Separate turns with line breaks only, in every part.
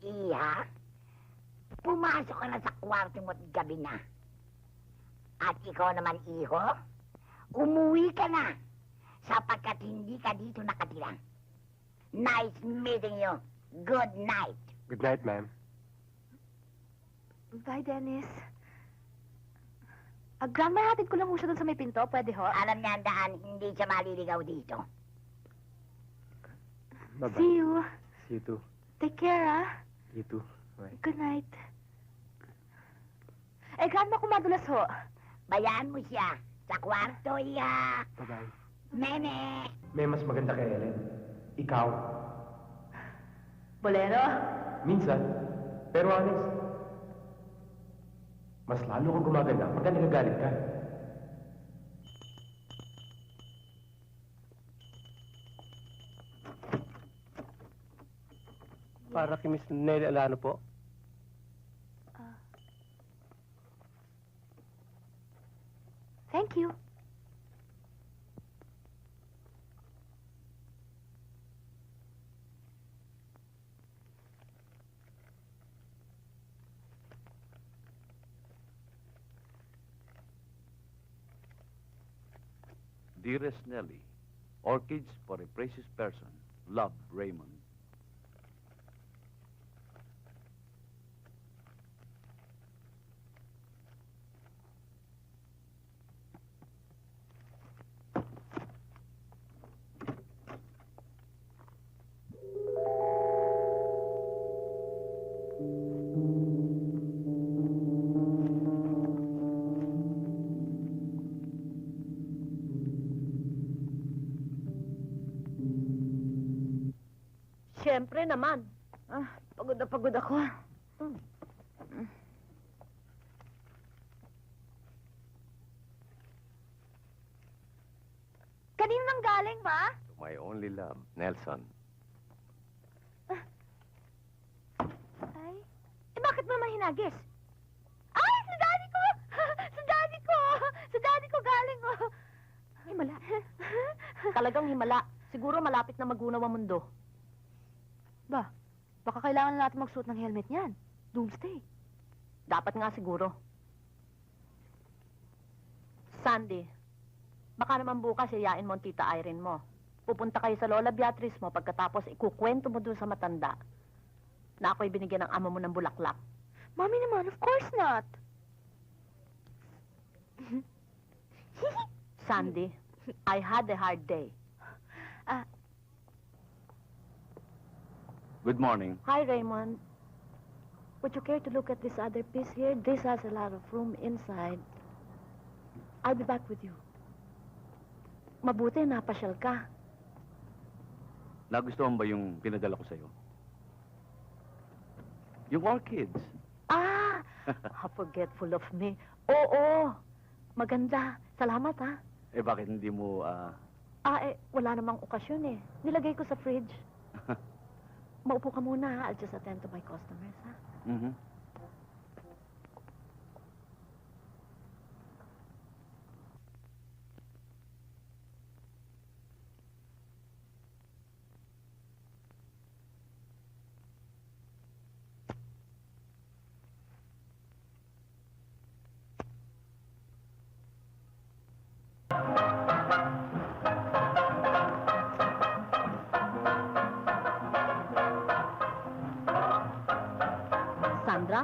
Iha, pumasok ka na sa kwarto mo at gabi na. At ikaw naman, iho, umuwi ka na sapagkat hindi ka dito nakatira. Nice meeting you. Good night.
Good night, ma'am.
Bye, Dennis. Grandma, hatid ko lang ho siya doon sa may pinto. Pwede ho?
Alam niya ang daan, hindi siya maliligaw dito.
Bye-bye.
See you.
See you too.
Take care, ah.
You too. Bye.
Good night. Grandma, kumadulas ho.
Bayaan mo siya. Sa kwarto, iha.
Bye-bye.
Meme.
May mas maganda kay Ellen. Ikaw.
Bolero?
Minsan. Pero honest. Mas lalo kang gumaganda pagka nagagalit ka. Para kay Miss Nelly Alano po.
Thank you.
Dearest Nelly, orchids for a precious person. Love, Raymond.
Siyempre naman. Pagod na pagod ako. Kanino nang galing, Ma?
To my only love, Nelson.
Ay, bakit mo naman hinagis? Ay, sa daddy ko! Sa daddy ko! Sa daddy ko galing, oh! Himala. Talagang himala. Siguro malapit na magunaw ang mundo. Baka kailangan na natin magsuot ng helmet niyan. Doomsday. Dapat nga siguro. Sandy, baka naman bukas yayain mo ang tita Irene mo. Pupunta kayo sa Lola Beatrice mo pagkatapos ikukwento mo dun sa matanda na ako'y binigyan ng amo mo ng bulaklak. Mami naman, of course not. Sandy, I had a hard day.
Good morning.
Hi, Raymond. Would you care to look at this other piece here? This has a lot of room inside. I'll be back with you. Mabuti, napasyal ka.
Nagustuhan ba yung pinadala ko sa'yo? Yung orchids.
How forgetful of me. Oo, maganda. Salamat, ha?
Bakit hindi mo,
Wala namang okasyon, eh. Nilagay ko sa fridge. Maupo ka muna, ha? I'll just attend to my customers, ha?
Mhm.
Sandra?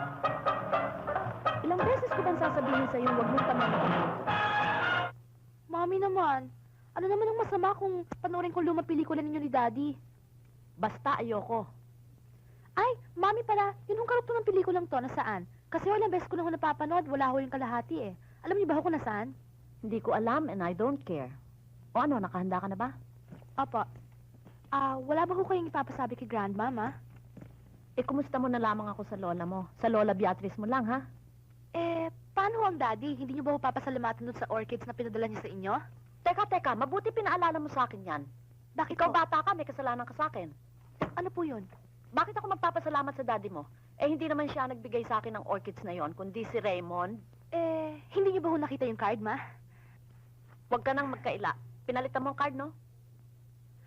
Ilang beses ko bang sasabihin sa'yo huwag mong pamamagitan? Mami naman, ano naman ang masama kung panoorin ko lumang pelikula ninyo ni Daddy? Basta ayoko. Ay, Mami pala, yun yung karugtong ng pelikulang to, nasaan? Kasi walang beses ko na ho napapanood, wala ho yung kalahati eh. Alam niyo ba ho kung nasaan? Hindi ko alam and I don't care. O ano, nakahanda ka na ba? Opo. Wala ba ho kayong ipapasabi kay Grandmama? Kumusta mo na lamang ako sa lola mo? Sa Lola Beatrice mo lang, ha? Paano ho ang daddy? Hindi niyo ba ho papasalamatan doon sa orchids na pinadala niya sa inyo? Teka, mabuti pinaalala mo sa akin yan. Bakit ikaw bata ka, may kasalanan ka sa akin. Ano po yun? Bakit ako magpapasalamat sa daddy mo? Hindi naman siya nagbigay sa akin ng orchids na yon, kundi si Raymond. Hindi niyo ba ho nakita yung card, Ma? Huwag ka nang magkaila. Pinalitan mo ang card, no?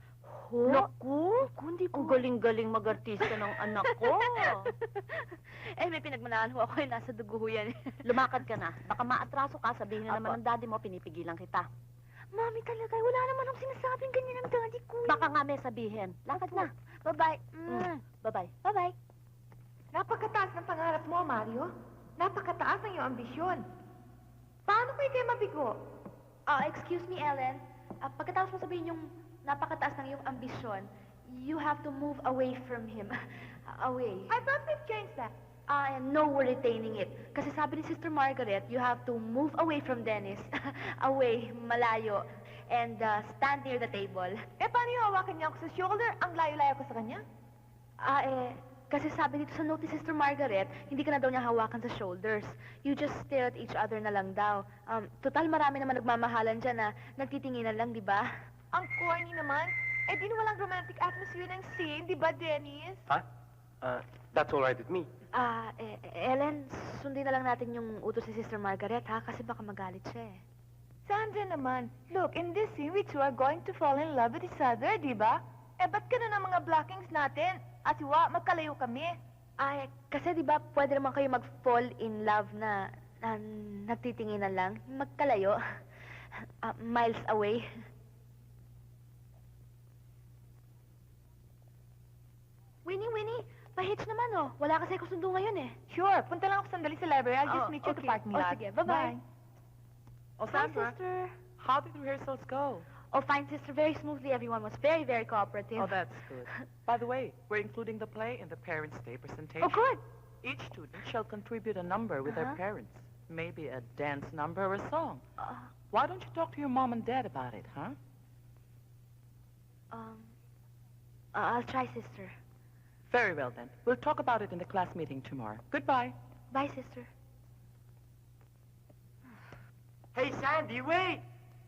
Naku? Naku, hindi po.
Ang galing-galing mag-artista ng anak ko.
Eh, may pinagmanahan ho ako, nasa dugo ho yan.
Lumakad ka na. Baka maatraso ka, sabihin na
Apo.
naman ng daddy mo, pinipigilan kita.
Mami talaga, wala naman akong sinasabing ganyan ang daddy ko.
Baka nga may sabihin. Lakad na.
Bye-bye.
Bye-bye.
Bye-bye.
Napakataas ng pangarap mo, Mario. Napakataas ng iyong ambisyon. Paano ko kayo mabigo?
Excuse me, Ellen. Pagkatapos mo sabihin yung napakataas ng iyong ambisyon, you have to move away from him. Away.
I thought we've changed that.
No, we're retaining it. Kasi sabi ni Sister Margaret, you have to move away from Dennis. Away, malayo. And stand near the table.
Eh, paano yung hawakan niya ako sa shoulder? Ang layo-layo ko sa kanya?
Kasi sabi dito sa note ni Sister Margaret, hindi ka na daw niya hawakan sa shoulders. You just stare at each other na lang daw. Total marami naman nagmamahalan dyan na nagtitinginan lang, di ba?
Ang corny naman. Eh, di walang romantic atmosphere ng scene, di ba, Dennis?
Ha? That's all right with me.
Ellen, sundin na lang natin yung utos ni Sister Margaret, ha? Kasi baka magalit siya, eh.
Sandra naman, look, in this scene, we two are going to fall in love with each other, di ba? Eh, ba't ganun ang mga blockings natin? Asiwa, magkalayo kami.
Kasi di ba pwede naman kayo mag-fall in love na nagtitinginan lang? Magkalayo. Miles away. Winnie, pa-hitch naman, oh. Wala kasi ako sundo ngayon, eh.
Sure, punta lang ako sandali sa library. I'll just
Oh,
meet you at the
okay.
parking
Oh,
lot.
sige. Bye-bye.
Oh,
Hi,
Sandra,
sister.
how did rehearsals go?
Oh, fine, sister. Very smoothly. Everyone was very, very cooperative.
Oh, that's good. By the way, we're including the play in the Parents' Day presentation.
Oh, good.
Each student shall contribute a number with their
Uh-huh.
parents. Maybe a dance number or a song.
Uh,
Why don't you talk to your mom and dad about it, huh?
I'll try, sister.
Very well, then. We'll talk about it in the class meeting tomorrow. Goodbye.
Bye, sister.
Hey, Sandy, wait!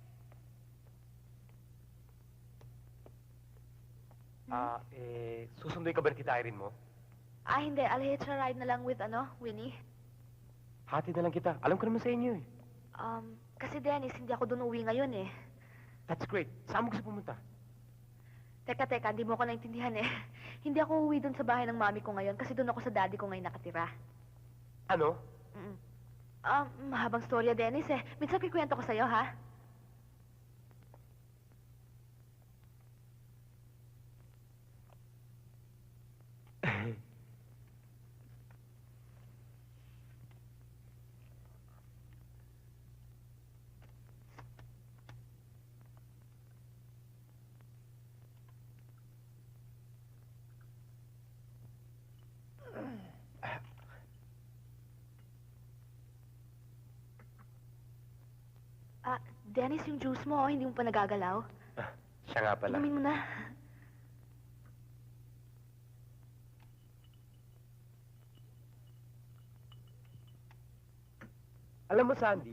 Susunduin ka ba ni Tita Irene mo?
Hindi. I'll hitch a ride na lang with, Winnie.
Hati na lang kita. Alam ko naman sa inyo eh.
Kasi Dennis, hindi ako doon uwi ngayon, eh.
That's great. Saan mo gusto pumunta?
Teka, hindi mo ako naintindihan, eh. Hindi ako uwi doon sa bahay ng mami ko ngayon kasi doon ako sa daddy ko ngayon nakatira.
Ano?
Mahabang storya, Dennis, eh. Minsan kikwento ko sa'yo, ha? Dennis, yung juice mo, hindi mo pa nagagalaw.
Siya nga pala.
Inumin mo na.
Alam mo, Sandy,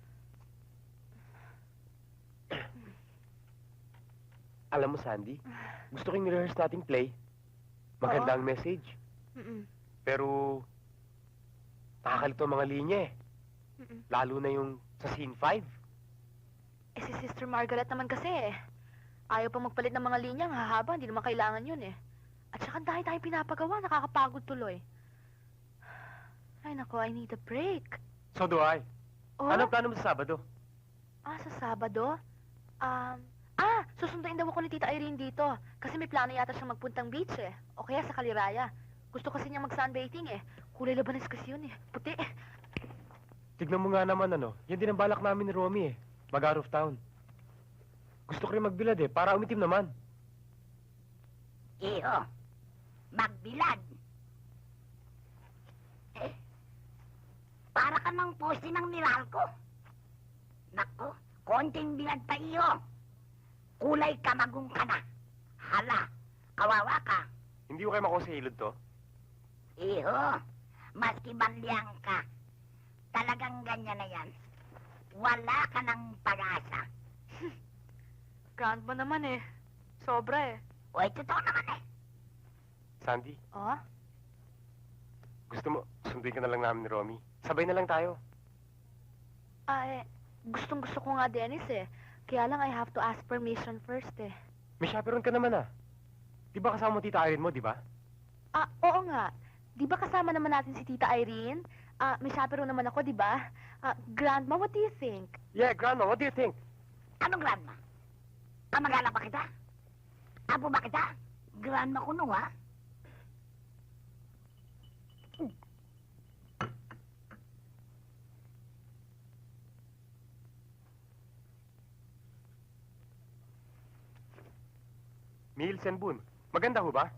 gusto ko yung rehearse nating play. Maganda ang message. Pero, nakakalito ang mga linya eh. Lalo na yung sa scene 5.
Si Sister Margaret naman kasi, eh. Ayaw pa magpalit ng mga linya, ang hahaba, hindi naman kailangan yun, eh. At saka ang dahil tayo pinapagawa, nakakapagod tuloy. Ay, nako, I need a break.
So do I.
Oh?
Ano plano mo sa Sabado?
Sa Sabado? Susunduin daw ako ni Tita Irene dito. Kasi may plano yata siyang magpuntang beach, eh. O kaya sa Kaliraya. Gusto kasi niya mag-sunbathing, eh. Kulay labanes kasi yun, eh. Puti, eh.
Tignan mo nga naman yan din ang balak namin ni Romy eh. Mag-out of town. Gusto ko rin magbilad eh, para umitim naman.
Iho, magbilad. Para ka ng poste ng Meralco. Nako, konting bilad pa iyo. Kulay kamagong ka na. Hala, kawawa ka.
Hindi ko kayo makuha sa hilod to.
Iho, maski banliang ka. Talagang ganyan na yan. Wala ka ng pag-asa.
Grand mo naman, eh. Sobra, eh.
Uy, totoo naman eh.
Sandy,
Oh?
gusto mo, sunduin ka na lang namin ni Romy. Sabay na lang tayo.
Gustong-gusto ko nga, Dennis, eh. Kaya lang I have to ask permission first, eh.
May chaperon ka naman ah. Di ba kasama mo tita Irene mo, di ba?
Oo nga. Di ba kasama naman natin si Tita Irene? May chaperone naman ako, di ba? Grandma, what do you think?
Yeah, Grandma, what do you think?
Anong grandma? Kamag-anak ba kita? Apo ba kita? Grandma ko nung, ha?
Meals and Boon. Maganda ho ba?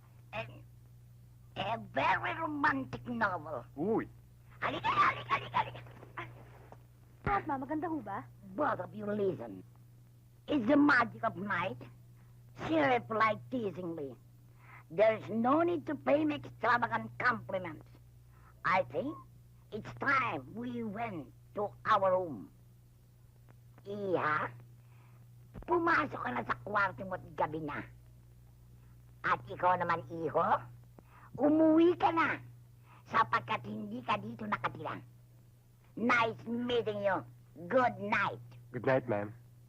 A very romantic novel.
Uy.
Halika, halika, halika, halika.
Grandma, maganda ho ba?
Both of you listen. It's the magic of night. She replied teasingly. There's no need to pay me extravagant compliments. I think it's time we went to our room. Iha, pumasok ka na sa kwarto mo't gabi na. At ikaw naman, iho, umuwi ka na sapagkat hindi ka dito nakatira. Nice meeting you. Good night.
Good night, ma'am.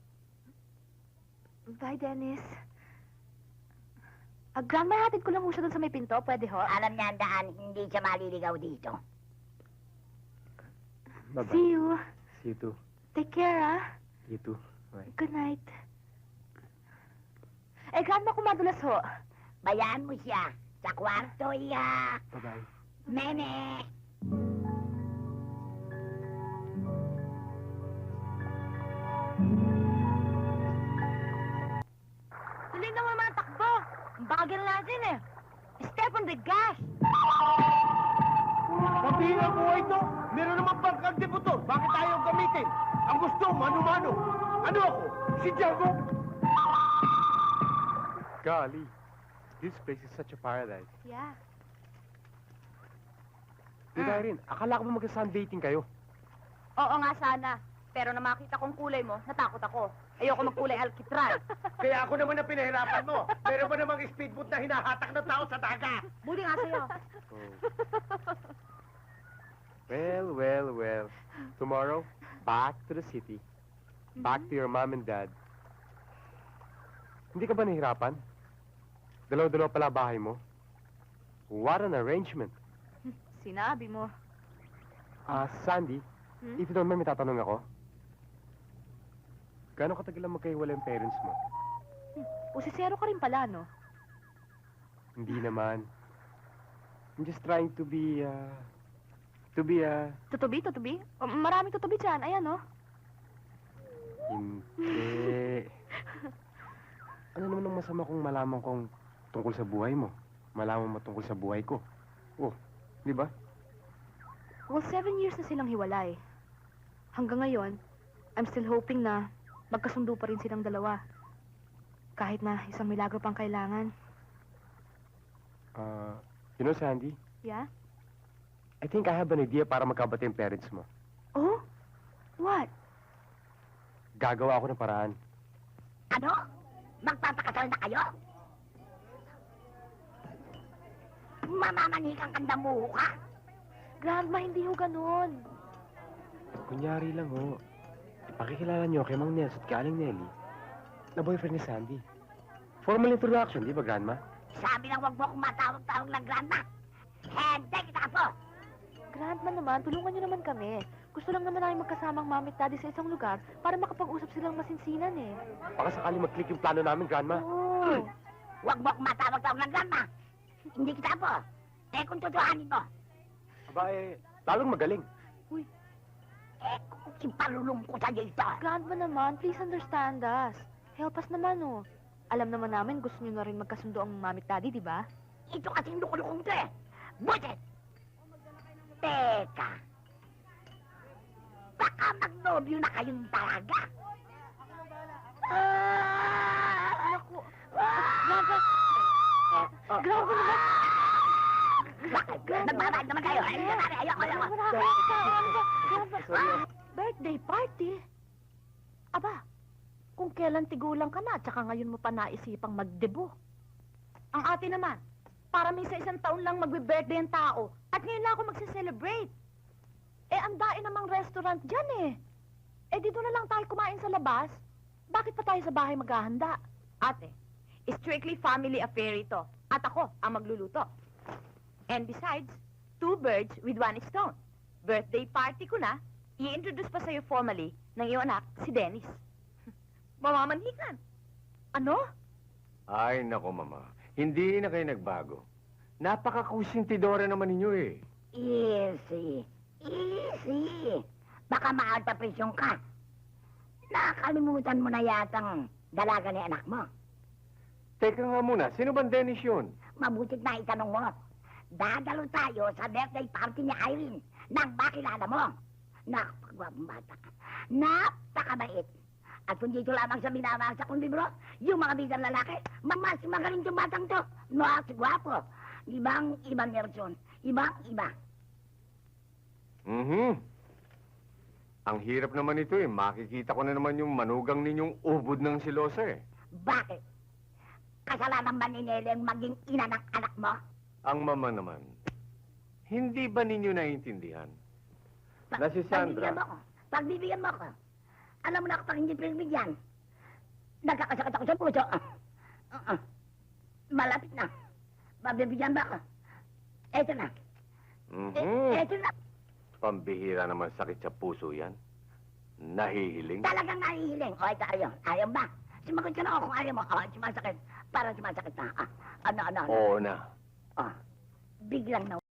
Bye, Dennis. Grandma, hatid ko lang ho siya doon sa may pinto. Pwede ho?
Alam niya ang daan, hindi siya maliligaw dito.
Bye-bye.
See you.
See you too.
Take care, ah.
You too. Bye.
Good night. Grandma, kumadulas ho.
Bayaan mo siya. Sa kwarto, iya.
Bye-bye.
Meme.
Tuloy na naman ang takbo. Ang bagal natin eh. Step on the gas.
Sabihin ang buhay ito, meron naman bangkang deputor. Bakit ayaw gamitin? Ang gusto, mano-mano. Ano ako? Si Diego?
Golly. This place is such a paradise.
Yeah.
Tita Irene, akala ko ba mag-sunbathing kayo?
Oo nga sana. Pero na makita kong kulay mo, natakot ako. Ayoko magkulay alkitral.
Kaya ako naman ang pinahirapan mo. Meron ba namang speedboat na hinahatak ng tao sa dagat?
Buti nga sa'yo.
Oh. Well. Tomorrow, back to the city. Back to your mom and dad. Hindi ka ba nahirapan? Dalaw-dalaw pala bahay mo. What an arrangement.
Sinabi mo.
Sandy, if you don't mind, may tatanong ako. Gano'ng katagal lang magkahiwalay ang parents mo?
Pusisero ka rin pala, no?
Hindi naman. I'm just trying to be.
Tutubi? Maraming tutubi dyan. Ayan, no?
Hindi. Ano naman ang masama kung malaman kong tungkol sa buhay mo? Malaman mo tungkol sa buhay ko? Oh, di ba?
Well, 7 years na silang hiwalay. Hanggang ngayon, I'm still hoping na magkasundo pa rin silang dalawa. Kahit na isang milagro pang kailangan.
You know, Sandy,
Yeah?
I think I have an idea para magkabati yung parents mo.
Oh? What?
Gagawa ako ng paraan.
Ano? Magpapakasal na kayo? Mamamanikang kandamuho ka?
Grandma, hindi ho ganun.
Kunyari lang, ho. Pakikilala niyo kay Mang Nels at kay Aling Nelly na boyfriend ni Sandy. Formal introduction, di ba, Grandma?
Sabi lang wag mo akong matawag-tawag ng grandma. Hindi kita po.
Grandma naman, tulungan niyo naman kami. Gusto lang naman namin magkasamang mami at daddy sa isang lugar para makapag-usap silang masinsinan eh.
Baka sakali mag-click yung plano namin, Grandma.
Oo.
Wag mo akong matawag-tawag ng grandma. Hindi kita po. Kung tutuhanin mo.
Aba, lalong magaling.
Kung ipalulong ko sa ito.
Grandma naman, please understand us. Help us naman, oh. Alam naman namin gusto niyo na rin magkasundo ang mami at daddy, di ba?
Ito kasing lukulukong to eh. Buset! Teka. Baka magnobyo na kayong talaga.
Naku. Grandma. Grandma naman.
Nagbabayad naman kayo. Ayoko.
Birthday party? Aba, kung kailan tigulang ka na, tsaka ngayon mo pa naisipang magdebo. Ang ate naman, para may sa isang taon lang magbe-birthday ang tao, at ngayon lang ako magse-celebrate. Ang dain namang restaurant dyan eh. Dito na lang tayo kumain sa labas. Bakit pa tayo sa bahay maghahanda? Ate, Strictly family affair ito. At ako ang magluluto. And besides, 2 birds with 1 stone. Birthday party ko na, i-introduce pa sa'yo formally ng iyong anak, si Dennis. Mamamanhikan. Ano?
Ay, nako, Mama. Hindi na kayo nagbago. Napaka-kusintidora naman ninyo eh.
Easy. Easy. Baka maagpapresyon ka. Nakalimutan mo na yatang dalaga ni anak mo.
Teka nga muna, sino bang Dennis yun?
Mabutit na itanong mo. Dadalo tayo sa birthday party ni Irene nang makilala mo. Napakagwapong bata. Napakabait. At kung dito lamang sa binabasa kong libro, yung mga bidang lalaki, mas magaling yung batang to. Mas gwapo. Ibang meron. Ibang-iba.
Ang hirap naman ito eh. Makikita ko na naman yung manugang ninyong ubod ng silosa eh.
Bakit? Kasalanan ba ni Neleng maging ina ng anak mo?
Ang mama naman, hindi ba ninyo naiintindihan? Na si Sandra.
Pagbibigyan mo ko. Alam mo na kapag hindi pinagbigyan, nagkakasakit ako sa puso. Malapit na. Pagbibigyan ba ako? Eto na. Eto na.
Pambihira naman sakit sa puso yan. Nahihiling.
Talagang nahihiling. O, ito ayaw. Ayaw ba? Sumagot ka na ako kung ayaw mo. O, sumasakit. Parang sumasakit na. Ano?
Oo na.
O, biglang na.